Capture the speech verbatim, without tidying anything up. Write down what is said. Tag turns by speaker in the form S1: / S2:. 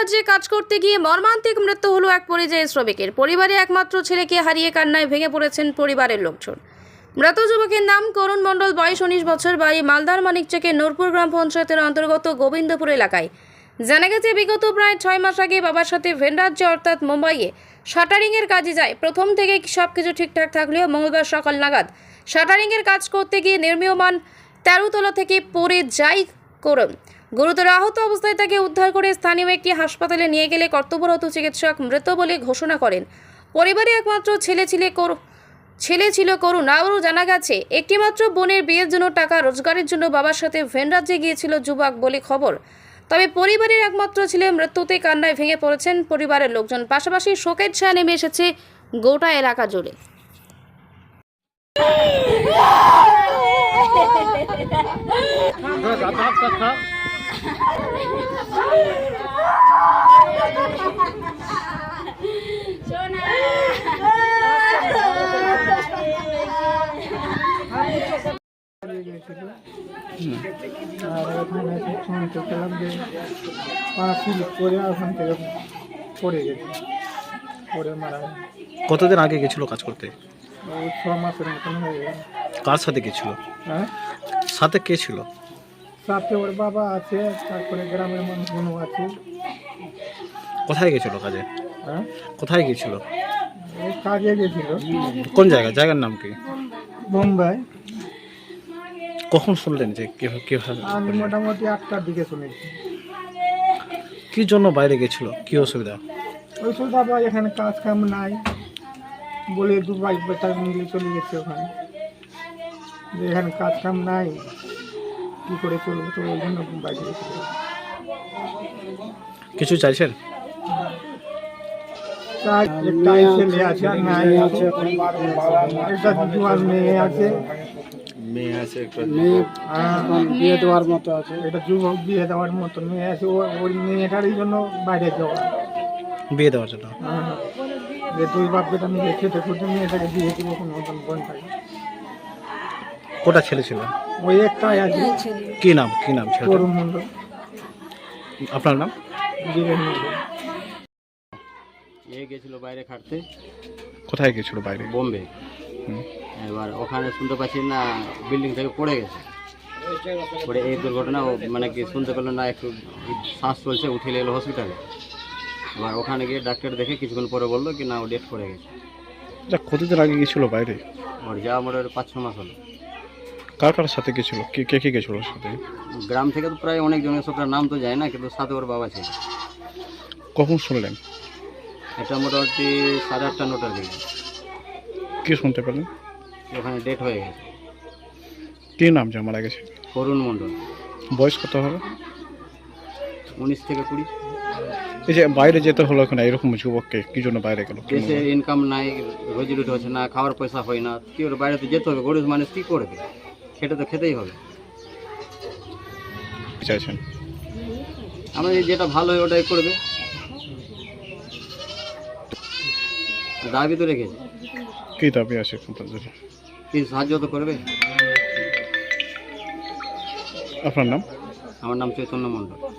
S1: রাজ্যে কাজ করতে গিয়ে মর্মান্তিক মৃত্যু হলো এক পরিযায়ী শ্রমিকের। পরিবারে একমাত্র ছেলেকে হারিয়ে কান্নায় ভেঙে পড়েছেন পরিবারের লোকজন। মৃত যুবকের নাম করুণ মণ্ডল, বয়স উনিশ বছর, বাড়ি মালদার মানিকচকের নূরপুর গ্রাম পঞ্চায়েতের অন্তর্গত গোবিন্দপুর এলাকায়। জানা গেছে, বিগত প্রায় ছয় মাস আগে বাবার সাথে ভিন রাজ্যে অর্থাৎ মুম্বাইয়ে শাটারিংয়ের কাজে যায়। প্রথম থেকে সব কিছু ঠিকঠাক থাকলেও মঙ্গলবার সকাল নাগাদ শাটারিংয়ের কাজ করতে গিয়ে নির্মীয়মান তেরো তলা থেকে পড়ে যায় করুণ। গুরুতর আহত অবস্থায় তাকে উদ্ধার করে স্থানীয় একটি হাসপাতালে নিয়ে গেলে কর্তব্যরত চিকিৎসক মৃত বলে ঘোষণা করেন। পরিবারে একমাত্র ছেলে ছিল করুণ ছেলে ছিল করুণ। আরও জানা গেছে, একটিমাত্র বোনের বিয়ের জন্য টাকা রোজগারের জন্য বাবার সাথে ভিন রাজ্যে গিয়েছিল যুবক বলে খবর। তবে পরিবারের একমাত্র ছেলে মৃত্যুতে কান্নায় ভেঙে পড়েছেন পরিবারের লোকজন। পাশাপাশি শোকের ছায়া নেমে এসেছে গোটা এলাকা জুড়ে।
S2: আর ওখানে শুনতে পেলাম যে পা স্লিপ করে ওখান থেকে পড়ে গেছে, পড়ে মারা গেছে।
S3: কতদিন আগে গেছিল কাজ করতে?
S2: ওই ছ মাসের মতন হয়ে গেল।
S3: কার সাথে গেছিল?
S2: হ্যাঁ,
S3: সাথে কে ছিল?
S2: সাথে ওর বাবা আছে, তারপরে গ্রামের মানুষগুলো আছে।
S3: কোথায় গেছিল কাজে?
S2: হ্যাঁ,
S3: কোথায় গেছিল?
S2: ওই কাজে গেছিল।
S3: কোন জায়গা? জায়গার নাম কি?
S2: মুম্বাই।
S3: কখন শুনলেন যে কিভাবে কিভাবে
S2: আমি মোটামুটি আটটার দিকে শুনেছি।
S3: কি জন্য বাইরে গেছিল? কি অসুবিধা?
S2: ওই তো বাবা এখানে কাজ কাম নাই বলে দু বাইক বেটা মিলে চলে গেছে ওখানে, যে এখানে কাজ কাম নাই কী করে চলবো, তো ওই জন্য বাইরে গেছিল।
S3: কিছু চাইছেন?
S2: তার একটা ছেলে আছে আর নাই আছে, একটা জুয়ার মেয়ে আছে,
S3: মেয়ে আছে,
S2: মেয়ে বিয়ে দেওয়ার মতো আছে, এটা যুবক বিয়ে দেওয়ার মতো মেয়ে আছে। ও ওই মেয়েটারই জন্য বাইরে যাওয়া,
S3: বিয়ে দেওয়ার জন্য।
S2: হ্যাঁ, যে দুই বাপ বেটা মিলে খেতে খুঁজে মেয়েটাকে দিয়ে দিব কোনো মতন বোনটাকে।
S3: কোটা ছেলে ছিল?
S2: ওই একটাই আছে।
S3: কি নাম? কি নাম ছেলেটার?
S2: করুণ মণ্ডল।
S3: আপনার নাম?
S2: বীরেন মণ্ডল।
S4: এ গেছিল বাইরে খাটতে,
S3: কোথায় গেছিল? বাইরে
S4: বোম্বে।
S3: হুম।
S4: এবার ওখানে শুনতে পাচ্ছি না বিল্ডিং থেকে পড়ে গেছে। পরে এই দুর্ঘটনা ও মানে কি শুনতে পেলো না, একটু শ্বাস চলছে, উঠে এলো হসপিটালে। এবার ওখানে গিয়ে ডাক্তার দেখে কিছুক্ষণ পরে বললো কি না ও ডেথ করে গেছে।
S3: যা কতদিন আগে গেছিল বাইরে?
S4: ওর যা আমার পাঁচ ছ মাস হলো।
S3: কার কার সাথে গেছিল? কে কে কে গেছিল ওর সাথে?
S4: গ্রাম থেকে তো প্রায় অনেক জনের সব নাম তো যায় না, কিন্তু সাথে ওর বাবা ছিল।
S3: কখন শুনলেন?
S4: এটা মোটামুটি সাড়ে আটটা নটার দিকে
S3: কি শুনতে পেলেন?
S4: ওখানে ডেথ হয়ে গেছে।
S3: কি নাম যে মারা গেছে?
S4: করুণ মণ্ডল।
S3: বয়স কত হবে?
S4: উনিশ থেকে কুড়ি।
S3: এই যে বাইরে যেতে হলো এখানে, এরকম যুবককে কি জন্য বাইরে গেল?
S4: দেশে ইনকাম নাই, রোজি রুটি হচ্ছে না, খাওয়ার পয়সা হয় না, কি ওর বাইরে তো যেতে হবে। গরিব মানুষ কী করবে? খেটে তো খেতেই হবে।
S3: কি চাইছেন?
S4: আমাদের যেটা ভালো হয় ওটাই করবে, দাবি তো রেখেছে।
S3: কি দাবি আছে আপনাদের?
S4: কি সাহায্য তো করবে।
S3: আপনার নাম?
S4: আমার নাম চৈতন্য মণ্ডল।